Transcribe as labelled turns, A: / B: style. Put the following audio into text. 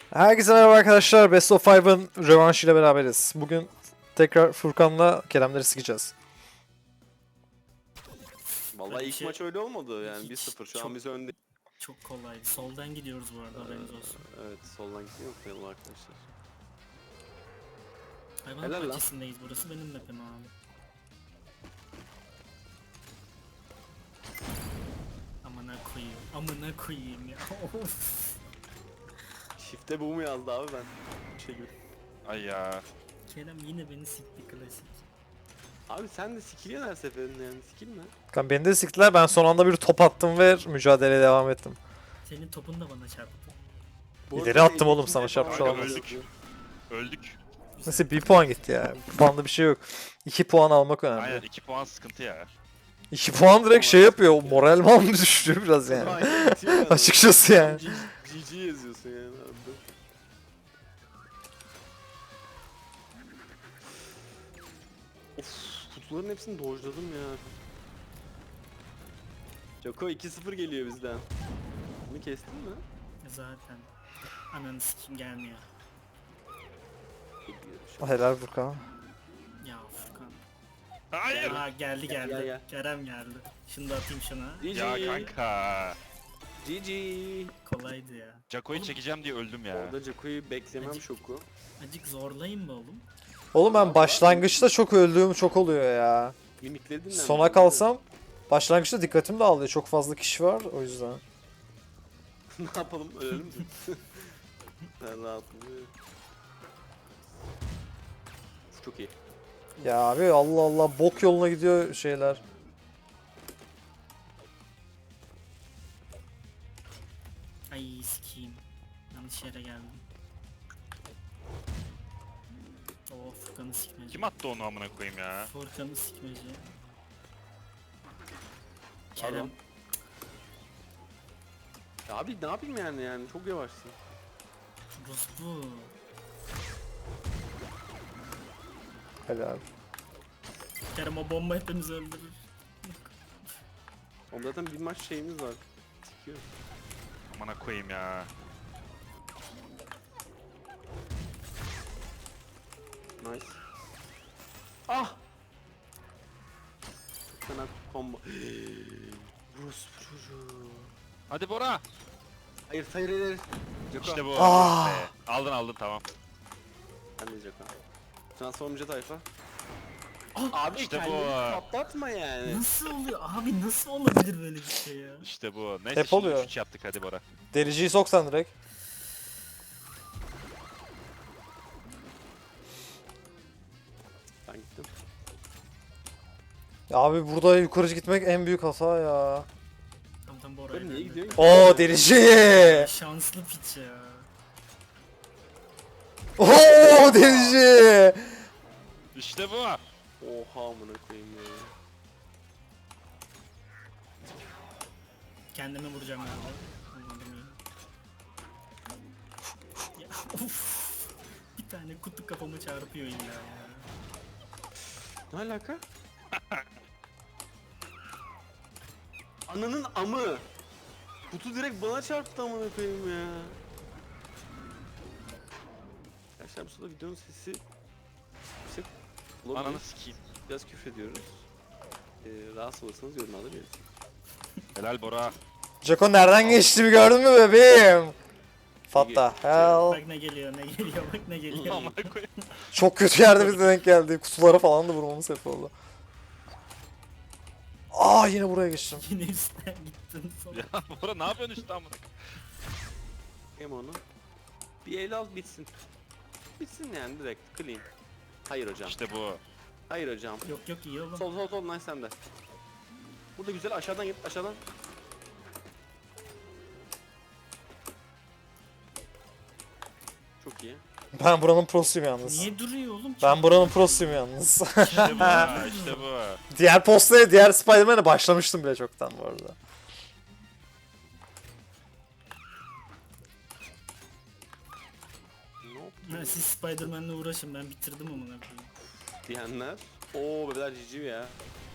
A: Herkese merhaba arkadaşlar. Best of 5'ın rövanşıyla beraberiz. Bugün tekrar Furkan'la Keremleri sikeceğiz.
B: Vallahi ilk
C: Şey-
B: maç öyle olmadı yani
C: Hiç
B: 1-0 şu an
C: çok-
B: biz önde.
C: Çok kolaydı. Soldan gidiyoruz bu arada, haberiniz olsun.
B: Evet soldan gitmeyi unutmayalım arkadaşlar.
C: Hayvanat
B: Helal lan.
C: bahçesindeyiz, burası benim map'im abi. Amına koyayım ya. Of.
B: Shift'e bu mu yazdı abi ben? Şey gibi.
D: Ay ya.
C: Kerem yine beni sikti, klasik.
B: Abi sen de sikiliyorsun her seferinde yani sikilme.
A: Furkan beni de siktiler. Ben son anda bir top attım ve mücadeleye devam ettim.
C: Senin topun da bana çarptı.
B: Bu
A: İleri
B: arada
A: attım oğlum,
B: ikinci
A: sana çarpmış
B: falan
D: olamaz.
B: öldük.
D: Öldük.
A: Nasıl bir puan gitti ya. Puanda bir şey yok. 2 puan almak önemli.
D: Aynen 2 puan sıkıntı ya.
A: 2 puan direkt şey yapıyor. Moral mi düşürüyor biraz yani.
B: Aynen, bitiyor yani.
A: Açıkçası yani.
B: GG yazıyorsun yani abi. Of, kutuların hepsini dojladım ya. Joko 2-0 geliyor bizden. Bunu kestin mi?
C: Zaten. Ananı sikim gelmiyor.
A: Helal Furkan.
C: Ya Furkan.
D: Hayır.
C: Aa, geldi geldi.
B: Gel.
C: Kerem geldi. Şunu da atayım şuna.
B: GG.
D: Ya kanka.
B: GG.
C: Kolaydı ya.
D: Jaco'yu çekeceğim diye öldüm ya.
B: Orada Joko'yu beklemem
C: Acık.
B: şoku.
C: Acık zorlayayım mı oğlum?
A: Oğlum ben başlangıçta çok öldüğüm çok oluyor ya.
B: Mimikleri dinlen.
A: Sona kalsam başlangıçta dikkatim dağılıyor. Çok fazla kişi var o yüzden.
B: Ne yapalım ölelim mi? Ben rahatım. Çok iyi.
A: Ya abi Allah Allah bok yoluna gidiyor şeyler.
C: Ay sikiyim. Yanlış yere geldim. Oo, Furkan'ı sikmeci.
D: Kim attı onu amına koyayım ya?
C: Furkan'ı sikmeci.
B: Pardon.
C: Kerem.
B: Ya abi ne yapayım yani çok yavaşsın.
C: Rus bu.
A: Helal.
C: Kerem, o bomba hepimizi öldürür.
B: Oğlum zaten bir maç şeyimiz var. Sikiyor.
D: Amına koyayım ya.
B: Nice. Ah! Çok fena combo. Rus çocuğu.
D: Hadi Bora.
B: Hayır. Joko.
D: İşte bu.
A: Ah.
D: Be. Aldın tamam.
B: Ben de Joko. Transformcu tayfa. Abi
D: işte bu.
B: kendini patlatma yani.
C: Nasıl oluyor? Abi nasıl olabilir böyle bir şey ya?
D: İşte bu. Neyse
A: Hep
D: şimdi
A: oluyor.
D: 3 yaptık hadi Bora.
A: Dericiyi soksan direkt.
B: Ben gittim.
A: Ya abi burada yukarı gitmek en büyük hata ya.
C: Tam bu
B: Böyle
C: oraya
B: niye
C: geldi.
B: gidiyorsun ki?
A: Oo derici.
C: Şanslı piç ya.
A: Oo derici.
D: İşte bu.
B: Oha amına koyayım ya.
C: Kendime vuracağım galiba. Vurmadım iyi. Ya of. Bir tane kutu kafama çarpıyor illa ya.
B: Ne alaka? Ananın amı. Kutu direkt bana çarptı amına koyayım ya. Arkadaşlar bu sırada videonun sesi yüksek olabilir.
D: Ananı sikeyim.
B: Biraz küfrediyoruz. Rahatsız olursanız yorumlarda belirtin.
D: Helal Bora.
A: Joko nereden geçtiğimi gördün mü bebeğim? Fatta hell.
C: Bak ne geliyor, bak ne geliyor.
D: Amına koyayım.
A: Çok kötü yerde bize denk geldi. Kutulara falan da vurmamız hep oldu. Aa yine buraya geçtim.
C: Yine üstten gittin sonra.
D: Ya Bora ne yapıyorsun işte amına?
B: Hem onu. Bir el al bitsin. Bitsin yani direkt clean. Hayır hocam.
D: İşte bu.
B: Hayır hocam.
C: Yok iyi oğlum.
B: Sol nice sende. Burada güzel aşağıdan git aşağıdan. Çok iyi.
A: Ben buranın prosuyum yalnız.
C: Niye duruyor oğlum?
A: Ben buranın prosuyum yalnız.
D: İşte bu. İşte bu.
A: Diğer postaya, diğer Spider-Man'e başlamıştım bile çoktan bu arada.
B: Ne
C: Ha, siz Spider-Man'le uğraşın, ben bitirdim amına koyayım.
B: diyenler. Oo bebeler cici ya.